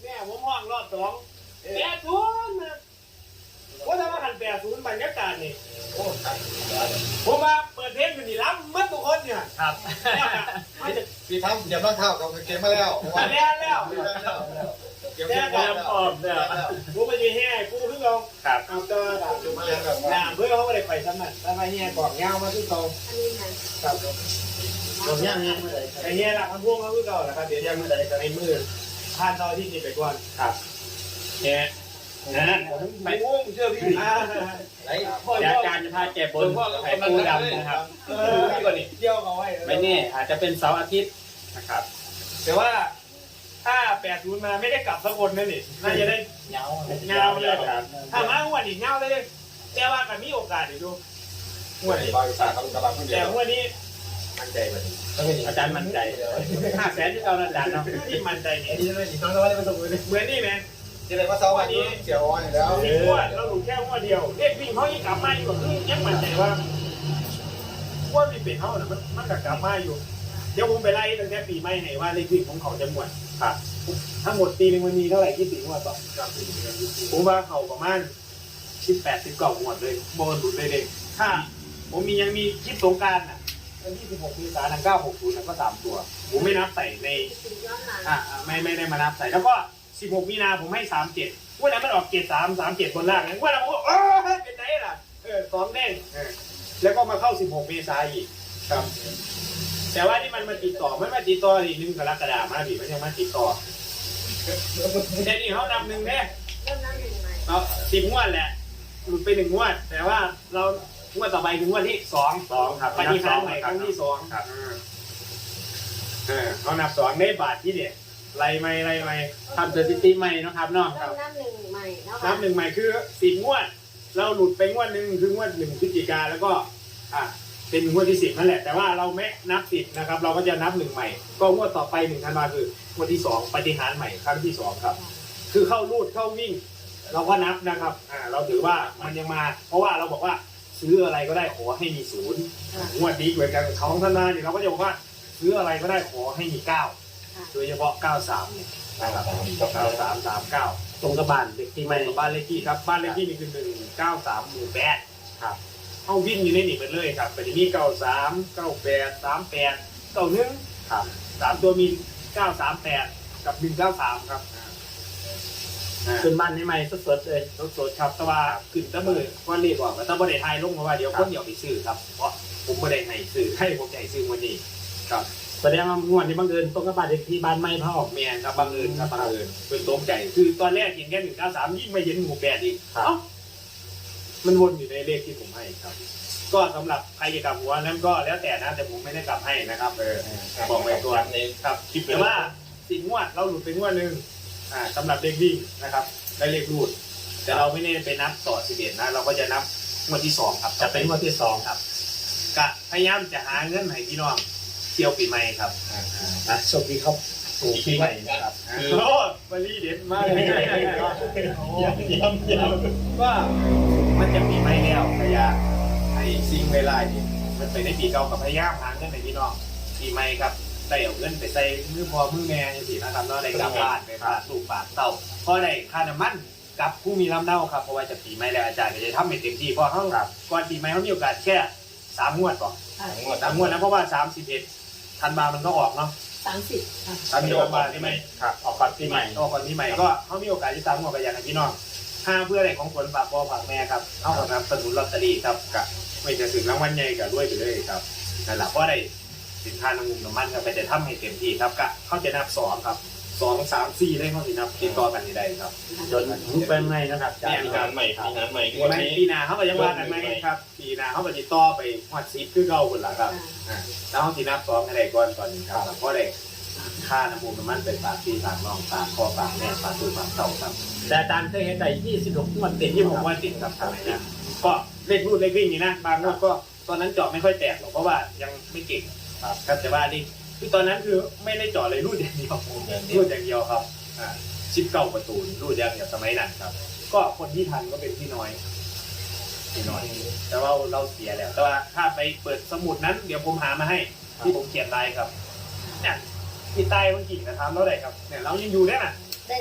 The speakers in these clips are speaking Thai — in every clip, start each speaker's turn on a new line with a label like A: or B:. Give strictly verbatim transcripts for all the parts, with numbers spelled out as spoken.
A: แม่ผมห้องรอบสองแปดศูนย์นะว่าถ้าว่าหันแปดศูนย์บรรยากาศนี่ผมมาเปิดเพลงอยู่นี่รับมัดทุกคนเนี่ย
B: ครับ
C: พี่ทำเดี๋ยวต้องเข้ากับเกมมาแล้ว
A: มาแล้วแล้ว
C: เกม
B: เตรียมพร้อมเนี่ย
A: ผมไปยืนแห่กูขึ้นลง
B: ครับ
A: เอาตัว
C: มาแล้วแบบ
A: น้ำเพื่อเขาไม่ได้ไปซ้ำนั่นถ้ามาแห่กอกเงามาขึ้นตรง
D: อันนี้ค่ะ
A: ครับ
B: ผมย่างย่างเมื่อไหร่
A: ไอ้แห่หลักมันพ่วงมาขึ้นเก่าแหละครับเดี๋ยวยังไม่ได้จะในมือผ่านซอยที่นี่ไปก่อน
B: ครับเนี่ยนะ
A: ไปม่วงเชื่อพี่อ่า
B: เดี๋ยวอาจารย์จะพาแกบนไข่ปูดำนะครับ
A: เออพี่ก่อนนี่เที่ยวเขาไว้
B: ไม่แน่อาจจะเป็นเสาร์อาทิตย์นะครับ
A: แต่ว่าถ้าแปดศูนย์มาไม่ได้กลับสักคนนั่นนี่น่าจะได้
B: เงา
A: เงาเลย
B: ครับ
A: ถ้ามาหัวดอีกเงาเลยแต่ว่ากันมีโอกาสอยู่ดูหัวด
C: นี่
A: นี้
C: บริษัทเขากำลังคนเดี
A: แต่
C: ยว
A: หัวดนี้
B: มั่นใจไหมอาจารย์มั่นใจห้าแสนที่เราอาจารย์เนาะ
A: ที่มันใจนี่
C: นี่เลยนี่น้องน้อยได้มาตรงนี้
A: เหมือนนี่แมน
C: ที่เลยว่าเสาร์วันนี้เสียวอ่อนแล้ว
A: มีหัวดเราหลุดแค่หัวดเดียวเรียกวิ่งเขายังกลับมาอยู่ก็คือยังมั่นใจว่าหัวดมีเป็นเขาน่ะมันมันกลับมาอยู่เดี๋ยวผมไปไล่ตั้งแต่ปีใหม่ไหนว่าเลขวิ่งของเขาจะหมด
B: ครับ
A: ทั้งหมดปีหนึ่งมันมีเท่าไหร่คิดถึงว่าต่อผมว่าเขาประมาณสิบแปดสิบเก้าหมดเลยโบนหลุดเลยเด็กถ้าผมมียังมีคลิปสงการอ่ะวันที่สิบหกมีสาหนังเก้าหกศูนย์ก็สามตัวผมไม่นับใส่ใน
D: ถึงย้อนหลัง
A: อ่าไม่ไม่ได้มานับใส่แล้วก็สิบหกมีนาผมให้สามเจ็ดวันนั้นมันออกเจ็ดสามสามเจ็ดบนล่างวันนั้นผมก็เออเป็นไงล่ะเออสองแดงเออแล้วก็มาเข้าสิบหกเมษายนอีกครับแต่ว่าที่มันมาติดต่อไม่มาติดต่ออีกหนึ่งกรกฎาคมมาดิมันยังมาติดต่อเดี๋ยวนี้เขานำหนึ่งแน่
D: เริ่มนั่งหนึ่งใหม่
A: เอาสิบงวดแหละหลุดไปหนึ่งงวด แต่ว่าเรางวดต่อไปคืองวดที่สอง
B: สองครับ
A: ปฏิหารย์ใหม่ครั้งที่สอง
B: ครับ
A: เออเขานับสองได้บาทที่เนี่ยไรไม่ไรไม่
B: ทำสถิติใหม่นะครับเนาะ
D: เริ่มนั่งหนึ่งใหม่แล้ว
A: นับหนึ่งใหม่คือสิบงวด เราหลุดไปงวดหนึ่งคืองวดหนึ่งพฤศจิกาแล้วก็อ่าเป็นงวดที่สิบนั่นแหละแต่ว่าเราไม่นับสิบนะครับ เราก็จะนับหนึ่งใหม่ ก็งวดต่อไปหนึ่งธันวาคืองวดที่สองปฏิหารย์ใหม่ครั้งที่สองครับ คือเข้ารูดเข้าวิ่ง เราก็นับนะครับอ่าเราถือว่ามันยังมา เพราะว่าเราบอกว่าซื้ออะไรก็ได้ขอให้มีศูนย์งวดนี้เหมือนกันเขาของธนาเนี่ยเราก็จะบอกว่าซื้ออะไรก็ได้ขอให้มีเก้าโดยเฉพาะเก้าสามเนี่ยนะครับเก้าสามสามเก้า
B: ตรงกระบาลเด็กที่
A: ที่
B: ไม่
A: ไม่กับบ้านเลขที่ครับบ้านเลขที่นี่คือหนึ่งเก้าสามหมู่แปด
B: ครับ
A: เข้าวิ่งอยู่ในนี่ไปเลยครับไปที่นี่เก้าสามเก้าแปดสามแปดเก้าหนึ่ง
B: ครับ
A: สามตัวมีเก้าสามแปดกับหนึ่งเก้าสามครับอ่า
B: ขึ้นบ้านให้ใหม่สดๆเลย
A: รถสดครับแต่ว่าขึ้นตะมือว่าเรียกว่าแต่บ่ได้ทายลงเพราะว่าเดี๋ยวคนเดี๋ยวไปซื้อครับเพราะผมบ่ได้ให้ซื้อให้ผมจะให้ซื้อวันนี้ครับ
B: แสดงว่างวดนี้บังเอิญตรงกระบาลเด็กที่บ้านไม่พ่อ
A: แมนครับบังเอิญครับบังเอิญเป็นตกใจคือตอนแรกเห็นแค่หนึ่งเก้าสามยิ่งไม่เห็นหมู่แปดอีก
B: ครับ
A: เอ้ามันวนอยู่ในเลขที่ผมให้ครับ ก็สำหรับใครจะกลับหัวนั้นก็แล้วแต่นะแต่ผมไม่ได้กลับให้นะครับเออบอกไว้ตัวนี้ครับแต่ว่าสิ่งงวดเราหลุดไปงวดหนึ่งอ่าสำหรับเลขวิ่งนะครับได้เลขรูด แต่เราไม่ได้ไปนับต่อสิบเอ็ดนะ เราก็จะนับงวดที่สองครับ
B: จะเป็นงวดที่สอง
A: ครับกะพยายามจะหาเงินให้พี่น้องเที่ยวปีใหม่ครับ
B: นะโชคดีครับถูกที่ใหม่นะครับ
A: โอ้บรีเด็ดมากเลยย้ำย้ำย้ำว่ามันจะปีใหม่แล้วพยายามให้สิ่งเวลานี้มันไปในปีเก่ากับพยายามหาเงินให้พี่น้องปีใหม่ครับได้เอาเงินไปใส่มือพอมือแม่อย่างนี้นะครับเนาะได้กลับบ้านไปพาลูกปากเต้าพอได้ค่าน้ำมันกับผู้มีลำเนาครับเพราะว่าจะปีใหม่แล้วอาจารย์ก็จะทำให้เต็มที่เพราะเขาก่อนปีใหม่เขามีโอกาสแค่สามงวดก่อนสามงวดนะเพราะว่าสามสิบเอ็ดธันวามันก็ออกเนาะ
D: สามสิบค่ะ
A: สามสิบธันวาใช่ไหม
B: ครับออกก่อนปีใหม่
A: ออกก่อนปีใหม่ก็เขามีโอกาสที่สามงวดไปอย่างพี่น้องห้าเพื่ออะไรของผลฝากพ่อฝากแม่ครับเอาของนำสนุนลอตเตอรี่ครับกับไม่จะถึงรางวัลใหญ่กับด้วยไปเลยครับนั่นแหละเพราะได้สินค้าน้ำมันน้ำมันครับไปจะทำให้เต็มที่ครับก็เขาจะนับสองครับสองสามสี่ได้เขาสินับติดต่อกันได้ครับ
B: จนถึงเป็นไงนะครับ
A: เนี่ย
E: มีงานใหม่มีงานใหม่
A: ปีใหม่ปีหน้าเขาก็ยังว่ากันไหมครับปีหน้าเขาก็จะต่อไปฮอดซิปคือเก่าคนละครับอ่าแล้วเขาสินับสองให้ได้ก่อนก่อนนี้ครับเพราะได้ค่าน้ำมันน้ำมันเป็นฝากพี่ฝากน้องฝากพ่อฝากแม่ฝากตู้ฝากเต่าครับ
B: แต่อาจารย์เคยเห็นได้ยี่สิบหกงวดติด
A: ที่ผมว่าติดครับทำไมนะก็เลขรูดเลขวิ่งนี่นะบางงวดก็ตอนนั้นเจาะไม่ค่อยแตกหรอกเพราะว่ายังไม่เก่งครับครับแต่ว่านี่คือตอนนั้นคือไม่ได้เจาะเลยรูดอย่างเดียวรูดอย่างเดียวครับอ่าชิปเก้าประตูรูดอย่างเดียวสมัยนั้นครับ ก็คนที่ทันก็เป็นพี่น้อยพี่น้อย แต่ว่าเราเสียแล้ว แต่ว่าถ้าไปเปิดสมุดนั้นเดี๋ยวผมหามาให้ ที่ผมเขียนลายครับเนี่ยพี่ใต้เมื่อกี้นะครับแล้วไหนครับเนี่ยเรายังอยู่ได้น่ะ
D: ได้ท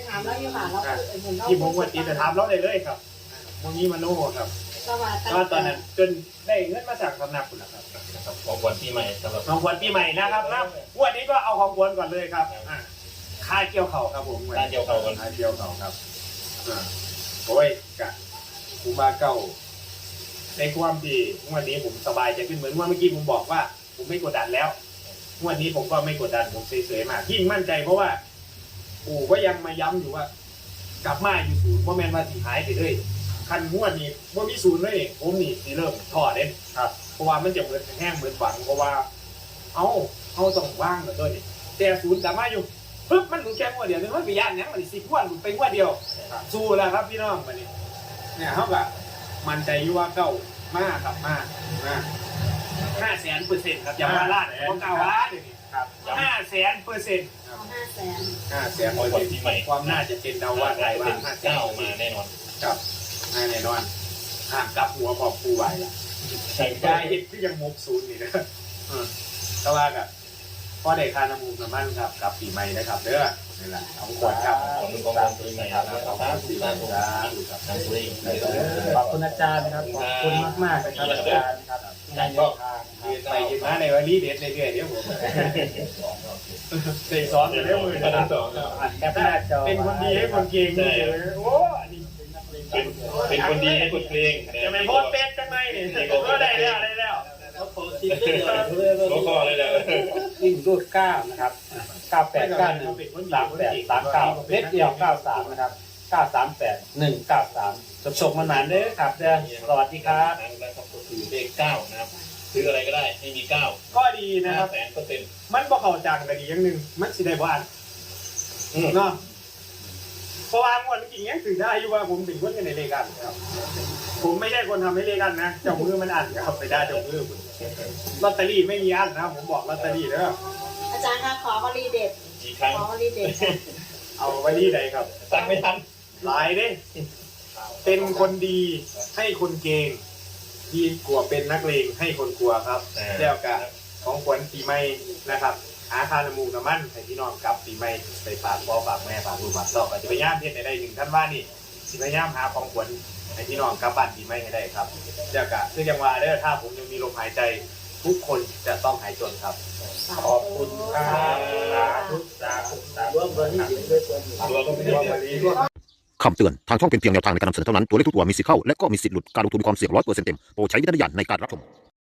D: ถามแล้วอยู่ค่ะแล้วเห็นเรา
A: ที่ผมควรตีแต่ถามเราได้เลยครับโมนี้มาโน่ครับ
D: ก็มา
A: ก็ตอนนั้นจนได้เงินมาจากสำนักคุณนะครับ
B: นะครับของขวัญปีใหม่สำหรับ
A: ของขวัญปีใหม่นะครับนะวันนี้ก็เอาของขวัญก่อนเลยครับอ่าค่าเกี่ยวเข่าครับผม
B: การเกี่ยวเขากัน
A: ค่าเกี่ยวเข่าครับอ่าโอ้ยกะครูบาเก่าในความที่วันนี้ผมสบายใจขึ้นเหมือนว่าเมื่อกี้ผมบอกว่า ผมไม่กดดันแล้ววันนี้ผมก็ไม่กดดันผมเฉยๆมากที่มั่นใจเพราะว่าปู่ก็ยังมาย้ำอยู่ว่า กลับมาอยู่ศูนย์เพราะแมนว่าสิหายไปเลยคันงวดนี้ว่ามีศูนย์เลยผมนี่สิเริ่มถอดเด่นครับเพราะว่ามันจะเหมือนแห้งเหมือนฝังเพราะว่า เอาเอาต้องว่างเหมือนตัวนี้แต่ศูนย์กลับมาอยู่ปึ๊บมันหลุดแค่งวดเดียวนึกว่าไปย่านยังมันสิบงวดหลุดไปงวดเดียวสู้แล้วครับพี่น้องวันนี้เนี่ยเขาแบบมั่นใจอยู่ว่าเก้ามากครับมากมากห้าแสนเปอร์เซ็นต์ครับอย่ามาล้านเพราะเก้าล้านเลยครับห้าแสนเปอร์เซ็นต์
D: เอาห้าแสน
A: ห้าแสน
B: ของขวัญปีใหม่
A: ความน่าจะเป็นเดาว่าไทยว่า
B: เป็น
A: ห้าแสน
B: เก้ามาแน่นอน
A: ครับแน่นอนห่างกับหัวพอปูไหวละ
B: ใช่
A: ได้เห็นที่ยังมุกศูนย์นี่นะก็ว่ากับพ่อเด็กคานามูกน้ำมันครับกับปีใหม่นะครับเด้อนี่แหละเอาขวดครับ
B: ของมึงของขวัญปีใหม่ครับขอบคุณปีใหม่ครับทั้งตัวเอง
E: ขอบคุณอาจารย์นะครับ ขอบคุณมากมากๆนะครับอาจารย์ครับที่ให้แนวทางนะค
A: ยื
E: รับ
A: นไปยืนมาในวันนี้เด็ดเรื่อยๆเดี๋ยวผมเตะซ้อนกันเรื่อยมือนะ
E: อัดแคปหน้าจอ
A: เป็นคนดีให้คนเก่งนี่เลยโอ้อันนี้
B: เป็นเป็นคนดีให้คนเพลง
A: จะไม่โพสเป็ดจังไหมเนี่ยก็ได้แล้วได้แล้ว
B: โอ้โหเลยแหละ
E: วิ่งรูดเก้านะครับเก้าแปดเก้าหนึ่งสามแปดสามเก้าเล็กเดียวเก้าสามนะครับเก้าสามแปดหนึ่งเก้าสามจบชมมานานเด้อครับเด้อสวัสดีครับ
B: นะครับก็คือเลขเก้านะครับซื้ออะไรก็ได้ให้มีเก้า
A: ก็ดีนะค
B: ห้า
A: รับ
B: แสนเปอร์เซ็นต์
A: มันบ่เข้าจังแต่ดีอย่างหนึ่งมันสิได้บ้านเนาะเพราะว่างวดจริงๆยังถือได้อยู่ว่าผมเป็นคนในเลกันครับ ผมไม่ใช่คนทำให้เลกันนะเจ้ามือมันอันครับไปได้เจ้ามือผมลอตเตอรี่ไม่มีอันนะผมบอกลอตเตอรี่เด้อ
D: อาจารย์คะขอวลีเด็ด
B: กี่ครั้ง
D: ขอวลีเด็ดค่ะ
A: เอาไว้ที่ใดครับ
B: ตั้งไม่ทัน
A: หลายเด้เป็นคนดีให้คนเกงดีกว่าเป็นนักเลงให้คนกลัวครับเจ้ากะของขวัญปีใหม่นะครับหาคาน้ำมูกน้ำมันให้พี่น้องกลับปีใหม่ไปฝากพ่อฝากแม่ฝากลูกฝากเต้าก็จะพยายามเฮ็ดให้ได้ถึงท่านว่านี่สิพยายามหาของขวัญให้พี่น้องกลับบ้านปีใหม่ให้ได้ครับเจ้ากะซึ่งยังว่าเด้อถ้าผมยังมีลมหายใจทุกคนจะต้องหายจนครับ
E: ขอบคุณครับสาธุสาธุสาธุ
B: ตัวก็ไม่ได้
F: คำเตือน ทางช่องเป็นเพียงแนวทางในการนำเสนอเท่านั้น ตัวเลขทุกตัวมีสิทธิ์เข้า และก็มีสิทธิ์หลุด การลงทุนมีความเสี่ยงร้อยเปอร์เซ็นต์เต็ม โปรดใช้วิจารณญาณในการรับชม